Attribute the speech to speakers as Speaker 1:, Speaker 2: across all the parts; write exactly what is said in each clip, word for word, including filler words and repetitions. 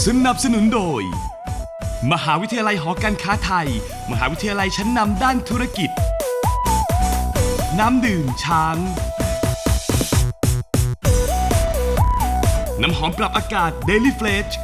Speaker 1: สนับสนุนโดยมหาวิทยาลัยหอการค้าไทยมหาวิทยาลัยชั้นนำด้านธุรกิจน้ำดื่มช้างน้ำหอมปรับอากาศ Daily Fresh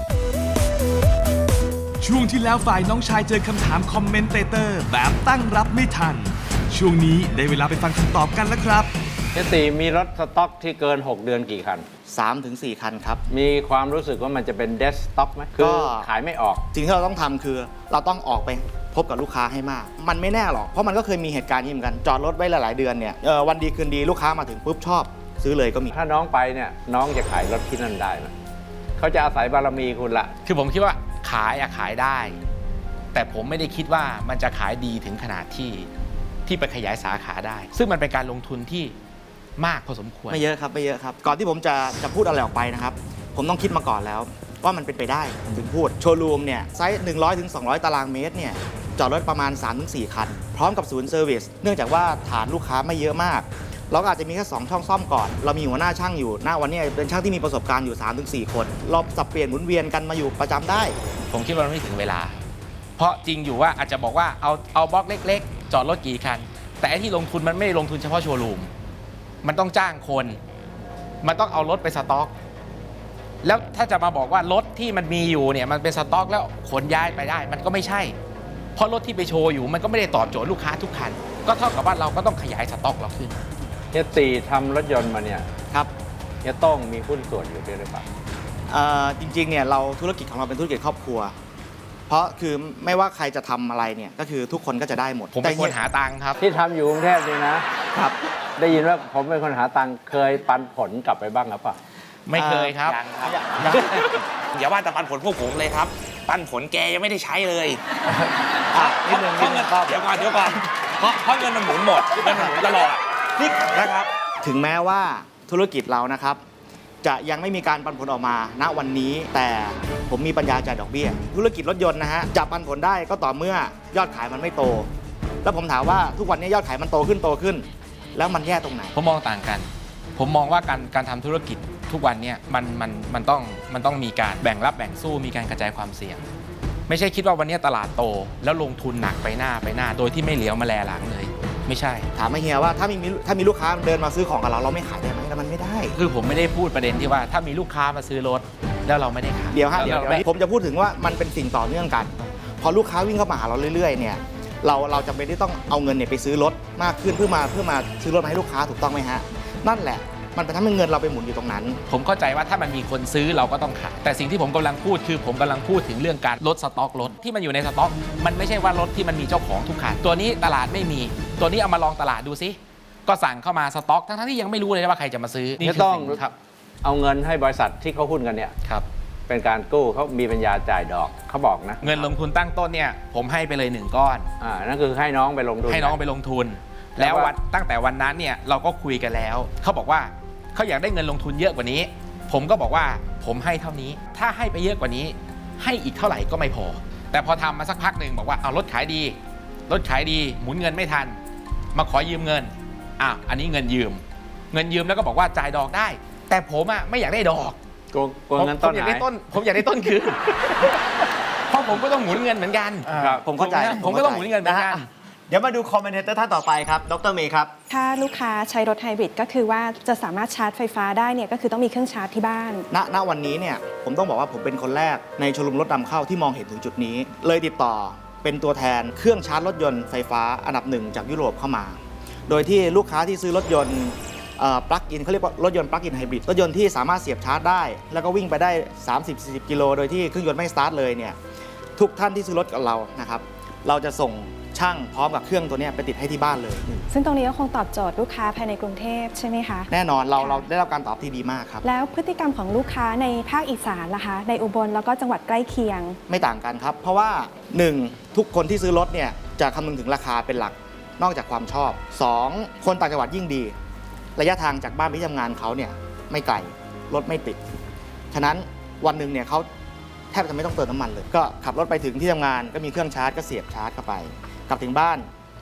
Speaker 1: ช่วงที่แล้วฝ่ายน้องชายเจอคำถามคอมเมนเตเตอร์แบบตั้งรับไม่ทันช่วงนี้ได้เวลาไปฟังคำตอบกันแล้วครับ
Speaker 2: เฮียตีมีรถสต็อกที่เกินหกเดือนกี่คัน
Speaker 3: สามถึงสี่ คันครับ
Speaker 2: มีความรู้สึกว่ามันจะเป็นเดสต็อกไหมคือขายไม่ออก
Speaker 3: สิ่งที่เราต้องทำคือเราต้องออกไปพบกับลูกค้าให้มากมันไม่แน่หรอกเพราะมันก็เคยมีเหตุการณ์นี้เหมือนกันจอดรถไว้หลายๆเดือนเนี่ยวันดีคืนดีลูกค้ามาถึงปุ๊บชอบซื้อเลยก็มี
Speaker 2: ถ้าน้องไปเนี่ยน้องจะขายรถที่นั่นได้ไหมเขาจะอาศัยบารมีคุณละ
Speaker 4: คือผมคิดว่าขายอะขายได้แต่ผมไม่ได้คิดว่ามันจะขายดีถึงขนาดที่ที่ไปขยายสาขาได้ซึ่งมันเป็นการลงทุนที่มากพอสมควร
Speaker 3: ไม่เยอะครับไม่เยอะครับก่อนที่ผมจะจะพูดอะไรออกไปนะครับผมต้องคิดมาก่อนแล้วว่ามันเป็นไปได้ถึงพูดโชว์รูมเนี่ยไซส์หนึ่งร้อยถึงสองร้อยตารางเมตรเนี่ยจอดรถประมาณ สามถึงสี่ คันพร้อมกับศูนย์เซอร์วิสเนื่องจากว่าฐานลูกค้าไม่เยอะมากเราก็อาจจะมีแค่สองช่องซ่อมก่อนเรามีหัวหน้าช่างอยู่หน้าวันนี้เป็นช่างที่มีประสบการณ์อยู่ สามถึงสี่ คนเราสับเปลี่ยนหมุนเวียนกันมาอยู่ประจำได้
Speaker 4: ผมคิดว่ามันไม่ถึงเวลาเพราะจริงอยู่ว่าอาจจะบอกว่าเอาเอาบล็อกเล็กๆจอดรถกี่คันแต่ไอ้ที่ลงทุนมันไม่ได้ลงทุนเฉพาะโชว์รูมมันต้องจ้างคนมันต้องเอารถไปสต็อกแล้วถ้าจะมาบอกว่ารถที่มันมีอยู่เนี่ยมันเป็นสต็อกแล้วขนย้ายไปได้มันก็ไม่ใช่เพราะรถที่ไปโชว์อยู่มันก็ไม่ได้ตอบโจทย์ลูกค้าทุกคันก็เท่ากับว่าเราก็ต้องขยายสต็อกเราขึ้น
Speaker 2: เฮียตีทำรถยนต์มาเนี่ย
Speaker 3: ครับ
Speaker 2: เฮียต้องมีหุ้นส่วนอยู่ด้วยหรือเปล่า
Speaker 3: จริงๆเนี่ยเราธุรกิจของเราเป็นธุรกิจครอบครัวเพราะคือไม่ว่าใครจะทำอะไรเนี่ยก็คือทุกคนก็จะได้หมด
Speaker 4: ผมเป็นคนหาตังค์ครับ
Speaker 2: ที่ทำอยู่กรุงเทพนี่นะครับได้ยินว่าผมเป็นคนหาตังค์เคยปันผลกลับไปบ้างหรือเปล่า
Speaker 4: ไม่เคยครับอย่าว่าแต่ปันผลพวกผมเลยครับปันผลแกยังไม่ได้ใช้เลยเพราะเงินเดี๋ยวก่อนเดี๋ยวก่อนเพราะเพราะเงินมันหมุนหมดเงินมันหมุนตลอดนี่นะครับ
Speaker 3: ถึงแม้ว่าธุรกิจเรานะครับจะยังไม่มีการปันผลออกมาณวันนี้แต่ผมมีปัญญาจ่ายดอกเบี้ยธุรกิจรถยนต์นะฮะจะปันผลได้ก็ต่อเมื่อยอดขายมันไม่โตแล้วผมถามว่าทุกวันนี้ยอดขายมันโตขึ้นโตขึ้นแล้วมันแย่ตรงไหน
Speaker 4: ผมมองต่างกันผมมองว่าการการทำธุรกิจทุกวันนี้มันมันมันต้องมันต้องมีการแบ่งรับแบ่งสู้มีการกระจายความเสี่ยงไม่ใช่คิดว่าวันนี้ตลาดโตแล้วลงทุนหนักไปหน้าไปหน้าโดยที่ไม่เหลียวมาแลหลังเลยไม่ใช่
Speaker 3: ถามมาเฮียว่าถ้ามีถ้ามีลูกค้าเดินมาซื้อของกับเราเราไม่ขายได้ไหมแล้วมันไม่ได้
Speaker 4: คือผมไม่ได้พูดประเด็นที่ว่าถ้ามีลูกค้ามาซื้อรถแล้วเราไม่ได้ขาย
Speaker 3: เดี๋ยวฮะเดี๋ยวผมจะพูดถึงว่ามันเป็นสิ่งต่อเนื่องกันพอลูกค้าวิ่งเข้ามาหาเราเรื่อยๆเนี่ยเราเราจำเป็นที่ต้องเอาเงินเนี่ยไปซื้อรถมากขึ้นเพื่อมาเพื่อมาซื้อรถมาให้ลูกค้าถูกต้องไหมฮะนั่นแหละมันเป็นทำให้เงินเราไปหมุนอยู่ตรงนั้น
Speaker 4: ผมเข้าใจว่าถ้ามันมีคนซื้อเราก็ต้องขายแต่สิ่งที่ผมกำลังพูดคือผมกำลังพูดถึงเรื่องการลดสต็อกรถที่มันอยู่ในสต็อกมันไม่ใช่ว่ารถที่มันมีเจ้าของทุกคันตัวนี้ตลาดไม่มีตัวนี้เอามาลองตลาดดูซิก็สั่งเข้ามาสต็อกทั้งๆที่ยังไม่รู้เลยว่าใครจะมาซื้อ
Speaker 2: นี่ต้องครับเอาเงินให้บริษัทที่เขาหุ้นกันเนี่ย
Speaker 4: ครับ
Speaker 2: เป็นการกู้เขามีปัญญาจ่ายดอกเขาบอกนะ
Speaker 4: เงินลงทุนตั้งต้นเนี่ยผมให้ไปเลยหนึ่งก้อน
Speaker 2: อ่านั่นคือให้น้องไปลงทุน
Speaker 4: ให้น้องไปลงทุนแล้ววันตั้งแต่วันนั้นเนี่ยเราก็คุยกันแล้วเขาบอกว่าเขาอยากได้เงินลงทุนเยอะกว่านี้ผมก็บอกว่าผมให้เท่านี้ถ้าให้ไปเยอะกว่านี้ให้อีกเท่าไหร่ก็ไม่พอแต่พอทำมาสักพักหนึ่งบอกว่าเอารถขายดีรถขายดีหมุนเงินไม่ทันมาขอยืมเงินอ่ะอันนี้เงินยืมเงินยืมแล้วก็บอกว่าจ่ายดอกได้แต่ผมอ่ะไม่อยากได้ดอก
Speaker 2: โกงโกงเงินต้นไหนผมอยากได้ต้น
Speaker 4: ผมอยากได้ต้นคืนเพราะผมก็ต้องหมุนเงินเหมือนกัน
Speaker 3: ผมเข้าใจ
Speaker 4: ผมก็ต้องหมุนเงินเหมือนกัน
Speaker 3: เดี๋ยวมาดูคอมเมนเตอร์ท่านต่อไปครับดรเมย์ครับ
Speaker 5: ถ้าลูกค้าใช้รถไฮบริดก็คือว่าจะสามารถชาร์จไฟฟ้าได้เนี่ยก็คือต้องมีเครื่องชาร์จที่บ้าน
Speaker 3: ณณวันนี้เนี่ยผมต้องบอกว่าผมเป็นคนแรกในโชว์รูมรถนำเข้าที่มองเห็นถึงจุดนี้เลยติดต่อเป็นตัวแทนเครื่องชาร์จรถยนต์ไฟฟ้าอันดับหนึ่งจากยุโรปเข้ามาโดยที่ลูกค้าที่ซื้อรถยนต์ปลั๊กอินเขาเรียกว่ารถยนต์ปลั๊กอินไฮบริดรถยนต์ที่สามารถเสียบชาร์จได้แล้วก็วิ่งไปได้ สามสิบถึงสี่สิบ กิโลโดยที่เครื่องยนต์ไม่สตาร์ทเลยเนี่ยทุกท่านที่ซื้อรถกับเรานะครับเราจะส่งช่างพร้อมกับเครื่องตัวนี้ไปติดให้ที่บ้านเลย
Speaker 5: ซึ่งตรงนี้ก็คงตอบโจทย์ลูกค้าภายในกรุงเทพใช่ไหมคะ
Speaker 3: แน่นอนเราเราได้รับการตอบที่ดีมากครับ
Speaker 5: แล้วพฤติกรรมของลูกค้าในภาคอีสานล่ะคะในอุบลแล้วก็จังหวัดใกล้เคียง
Speaker 3: ไม่ต่างกันครับเพราะว่าหนึ่งทุกคนที่ซื้อรถเนี่ยจะคำนึงถึงราคาเป็นหลักนอกจากความชอบสองคนต่างจังหวัดยิ่งดีระยะทางจากบ้านไปที่ทำงานเขาเนี่ยไม่ไกลรถไม่ติดฉะนั้นวันหนึ่งเนี่ยเขาแทบจะไม่ต้องเติมน้ำมันเลยก็ขับรถไปถึงที่ทำงานก็มีเครื่องชาร์จก็เสียบชาร์จเข้าไปกลับถึงบ้าน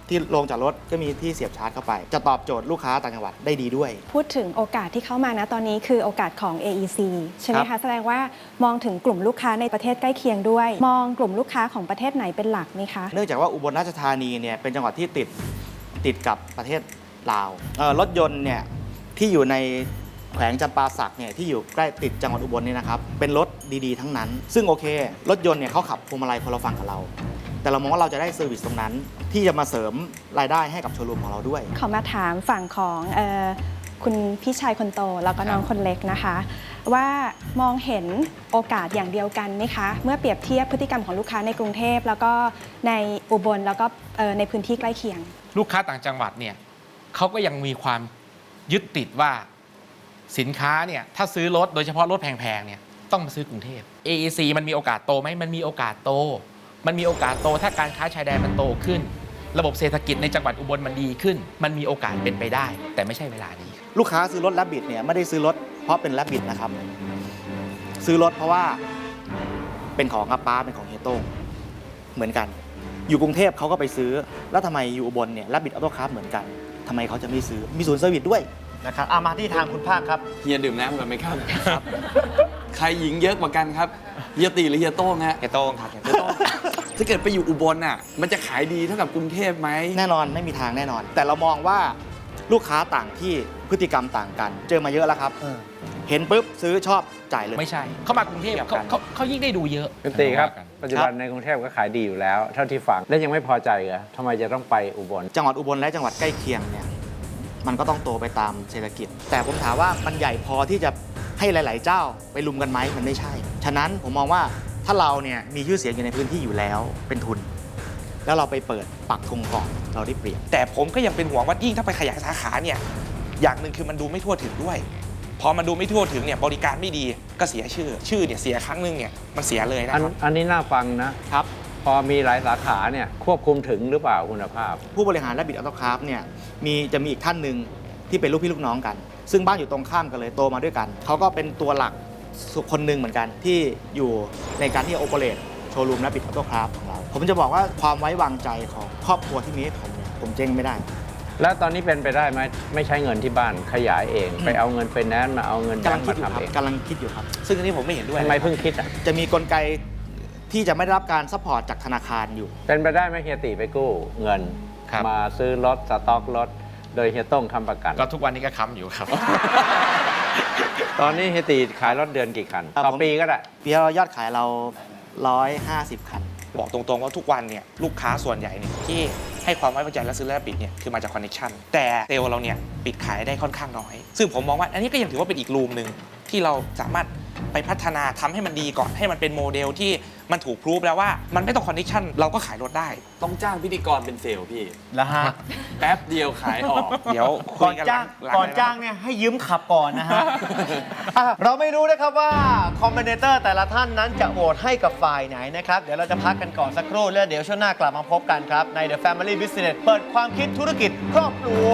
Speaker 3: ที่ลงจากรถก็มีที่เสียบชาร์จเข้าไป จะตอบโจทย์ลูกค้าต่างจังหวัดได้ดีด้วย
Speaker 5: พูดถึงโอกาสที่เข้ามานะตอนนี้คือโอกาสของ เอ อี ซี ใช่ไหม
Speaker 3: ครั
Speaker 5: คะ
Speaker 3: บ
Speaker 5: แสดงว่ามองถึงกลุ่มลูกค้าในประเทศใกล้เคียงด้วย มองกลุ่มลูกค้าของประเทศไหนเป็นหลักไหมคะ
Speaker 3: เนื่องจากว่าอุบลราชธานีเนี่ยเป็นจังหวัดที่ติดติดกับประเทศลาวเอ่อรถยนต์เนี่ยที่อยู่ในแขวงจำปาสักเนี่ยที่อยู่ใกล้ติดจังหวัดอุบลเนี่ยนะครับเป็นรถดีๆทั้งนั้น ซึ่งโอเค รถยนต์เนี่ยเขาขับพวงมาลัยคนละฝั่งกับเรา แต่เรามองว่าเราจะได้เซอร์วิสตรงนั้น ที่จะมาเสริมรายได้ให้กับโชว์รูมของเราด้วย
Speaker 5: ขอมาถามฝั่งของเออคุณพี่ชายคนโตแล้วก็น้องคนเล็กนะคะ ว่ามองเห็นโอกาสอย่างเดียวกันไหมคะ เมื่อเปรียบเทียบพฤติกรรมของลูกค้าในกรุงเทพแล้วก็ในอุบลแล้วก็เอ่อในพื้นที่ใกล้เคียง
Speaker 4: ลูกค้าต่างจังหวัดเนี่ยเขาก็ยังมีความยึดติดว่าสินค้าเนี่ยถ้าซื้อรถโดยเฉพาะรถแพงๆเนี่ยต้องมาซื้อกรุงเทพ เอ อี ซี มันมีโอกาสโตไหมมันมีโอกาสโต มันมีโอกาสโตถ้าการค้าชายแดนมันโตขึ้น ระบบเศรษฐกิจในจังหวัดอุบลมันดีขึ้น มันมีโอกาสเป็นไปได้ แต่ไม่ใช่เวลานี้
Speaker 3: ลูกค้าซื้อรถแลบบิดเนี่ยไม่ได้ซื้อรถเพราะเป็นแลบบิดนะครับ ซื้อรถเพราะว่าเป็นของอาป้าเป็นของเฮียโต้งเหมือนกัน อยู่กรุงเทพเขาก็ไปซื้อ แล้วทำไมอยู่อุบลเนี่ยแลบบิดออโต้คาร์เหมือนกันทำไมเขาจะไม่ซื้อมีศูนย์เซอร์วิสด้วยนะครับอามาที่ทางคุณภาคครับ
Speaker 6: เฮียดื่มน้ำกันไหมครับ ใครหญิงเยอะกว่ากันครับเฮียตีหรือเฮียโต้งฮะ
Speaker 4: เฮียโต้งครับเฮีย
Speaker 6: เฮียโต้งถ้าเกิดไปอยู่อุบลน่ะ มันจะขายดีเท่ากับกรุงเทพไหม
Speaker 3: แน่นอนไม่มีทางแน่นอน แต่เรามองว่าลูกค้าต่างที่พฤติกรรมต่างกัน เจอมาเยอะแล้วครับเห็นปุ๊บซื้อชอบจ่ายเลย
Speaker 4: ไม่ใช่ เขามากรุงเทพเขาเขาเขายิ่งได้ดูเยอะ
Speaker 2: คุณตีครับ
Speaker 4: ว่ากัน
Speaker 2: ปัจจุบันในกรุงเทพก็ขายดีอยู่แล้ว เท่าที่ฟัง และยังไม่พอใจเหรอทำไมจะต้องไปอุบล
Speaker 3: จังหวัดอุบลและจังหวัดใกล้เคียงเนี่ยมันก็ต้องโตไปตามเศรษฐกิจ แต่ผมถามว่ามันใหญ่พอที่จะให้หลาย ๆ เจ้าไปลุมกันไหมมันไม่ใช่ ฉะนั้นผมมองว่าถ้าเราเนี่ยมีชื่อเสียงอยู่ในพื้นที่อยู่แล้วเป็นทุน แล้วเราไปเปิดปักธงก่อนเราได้เปรียบ
Speaker 7: แต่ผมก็ยังเป็นห่วงว่ายิ่งถ้าไปขยายสาขาเนี่ยอย่างหนึ่งคือมันดูไม่ทั่วถึงด้วย พอมันดูไม่ทั่วถึงเนี่ยบริการไม่ดีก็เสียชื่อ ชื่อเนี่ยเสียครั้งหนึงเนี่ยมันเสียเลยนะ
Speaker 2: อัน
Speaker 7: ครับ
Speaker 2: อันนี้น่าฟังนะ
Speaker 3: ครับ
Speaker 2: พอมีหลายสาขาเนี่ยควบคุมถึงหรือเปล่าคุณภาพ
Speaker 3: ผู้บริหารและบิดออโต้คราฟเนี่ยมีจะมีอีกท่านหนึ่งที่เป็นลูกพี่ลูกน้องกัน ซึ่งบ้านอยู่ตรงข้ามกันเลยโตมาด้วยกันเขาก็เป็นตัวหลักคนหนึ่งเหมือนกันที่อยู่ในการที่จะโอเปเรตโชว์รูมและบิดออโต้คราฟของเราผมจะบอกว่าความไว้วางใจของครอบครัวที่มีให้ผมเนี่ยผมเจ๊งไม่ได้
Speaker 2: แล้วตอนนี้เป็นไปได้ไหมไม่ใช้เงินที่บ้านขยายเอง ไปเอาเงินไปแนนซ์มาเอาเงินแบ
Speaker 3: กำลั
Speaker 2: ง
Speaker 3: ง
Speaker 2: ค์
Speaker 3: คิ
Speaker 2: มา
Speaker 3: ดอยู่ค
Speaker 2: ทำ
Speaker 3: รับ
Speaker 2: เอง
Speaker 3: กำลังคิดอยู่ครับ
Speaker 7: ซึ่งอันนี้ผมไม่เห็นด้วย
Speaker 2: ทำไมเพิ่งคิดอ่ะ
Speaker 3: จะมีกลไกที่จะไม่ได้รับการซัพพอร์ตจากธนาคารอยู่
Speaker 2: เป็นไปได้ไหมเฮียตีไปกู้เงิน
Speaker 4: ครับ
Speaker 2: มาซื้อรถสต็อกรถโดยเฮียต้งค้ำประกัน
Speaker 4: ก็ทุกวันนี้ก็ค้ำอยู่ครับ
Speaker 2: ตอนนี้เฮียตีขายรถเดือนกี่คัน
Speaker 3: ครับ
Speaker 2: ต่อ
Speaker 3: ผม
Speaker 2: ปีก็ได้
Speaker 3: ปีละยอดขายเราร้อยห้าสิบคัน
Speaker 7: บอกตรงๆว่าทุกวันเนี่ยลูกค้าส่วนใหญ่เนี่ยที่ให้ความไว้วางใจและซื้อและปิดเนี่ยคือมาจากคอนเนคชั่นแต่เซลล์เราเนี่ยปิดขายได้ค่อนข้างน้อย ซึ่งผมมองว่าอันนี้ก็ยังถือว่าเป็นอีกรูมหนึ่งที่เราสามารถไปพัฒนาทำให้มันดีก่อนให้มันเป็นโมเดลที่มันถูกพรูฟแล้วว่ามันไม่ต้องคอนเนคชั่นเราก็ขายรถได้
Speaker 6: ต้องจ้างพิธีกรเป็นเซลล์พี่
Speaker 8: แล้วฮะ
Speaker 6: แป๊บเดียวขายออก
Speaker 7: เดี๋ยวคุ
Speaker 8: ก่อย น
Speaker 7: กัน
Speaker 8: จ้าง
Speaker 7: หลัง
Speaker 8: ก่อน
Speaker 7: เลยะ
Speaker 8: จ้างเนี่ยให้ยืมขับก่อนนะฮะ อ่ะเราไม่รู้นะครับว่าคอมเมนเตอร์แต่ละท่านนั้นจะโหวตให้กับฝ่ายไหนนะครับ เดี๋ยวเราจะพักกันก่อนสักครู่แล้วเดี๋ยวช่วงหน้ากลับมาพบกันครับ ใน The Family Business เปิดความคิดธุรกิจครอบครัว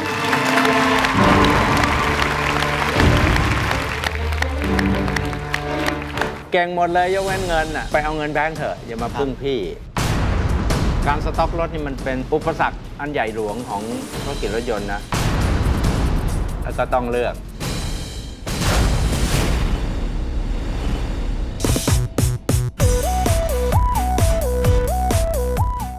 Speaker 2: เก่งหมดเลยยกเว้นเงินน่ะไปเอาเงินแบงค์เถอะอย่ามาพึ่งพี่ การสต็อกรถนี่มันเป็นอุปสรรคอันใหญ่หลวงของธุรกิจรถยนต์นะแล้วก็ต้องเลือก